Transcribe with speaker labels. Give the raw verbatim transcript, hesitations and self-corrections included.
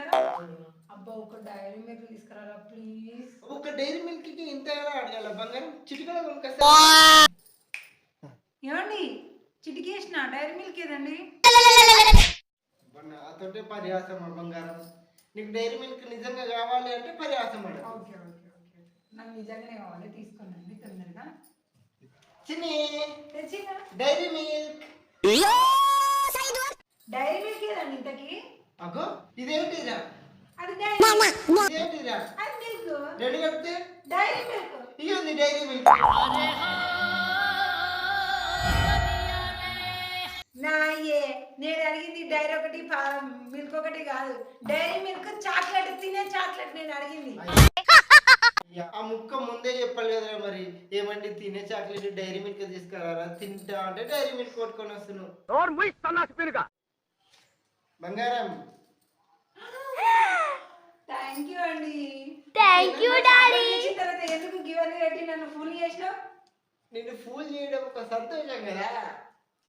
Speaker 1: తీసుకురారా అబ్బా ఒక dairy milk తీసుకురారా ప్లీజ్.
Speaker 2: ఒక డైరీ మిల్క్ కి ఇంత అడగాల బంగారం చిటికలో కొనుకొస్తా.
Speaker 1: ఏమండి చిటికేసిన డైరీ మిల్క్ ఏదండి?
Speaker 2: నాతోటే పరిహాసం బంగారం. నీకు డైరీ మిల్క్ నిజంగా కావాలి అంటే పరిహాసం అడ.
Speaker 1: ఓకే ఓకే ఓకే నాకు నిజంగానే కావాలి తీసుకున్నాండి తొందరగా.
Speaker 2: చిన్ని
Speaker 1: తెచ్చినా
Speaker 2: డైరీ మిల్క్.
Speaker 1: డైరీ మిల్క్ ఏదండి ఇంతకి?
Speaker 2: అగో ఇదేంటిరా?
Speaker 1: అది డైరీ
Speaker 2: ఇదేంటిరా?
Speaker 1: అది మిల్క్.
Speaker 2: రెండు కలిపితే
Speaker 1: డైరీ మిల్క్.
Speaker 2: ఇది ఉంది డైరీ మిల్క్.
Speaker 1: నాయే నేను అడిగింది డైరీ ఒకటి మిల్క్ ఒకటి కాదు, డైరీ మిల్క్ చాక్లెట్ తినే చాక్లెట్ నేను అడిగింది.
Speaker 2: ఆ ముక్క ముందే చెప్పాలి కదరా మరి. ఏమండి తినే చాక్లెట్ డైరీ మిల్క్ తీసుకురారా తింటా అంటే డైరీ మిల్క్ కొట్టుకొని వస్తున్నావు. బంగారం
Speaker 1: థ్యాంక్ యూ అండి.
Speaker 3: Thank you daddy.
Speaker 1: తర్వాత ఎందుకు గివెన్ పెట్టి నన్ను ఫుల్ చేసినావు?
Speaker 2: నిన్ను ఫూల్ చేయడం ఒక సంతోషం కదా.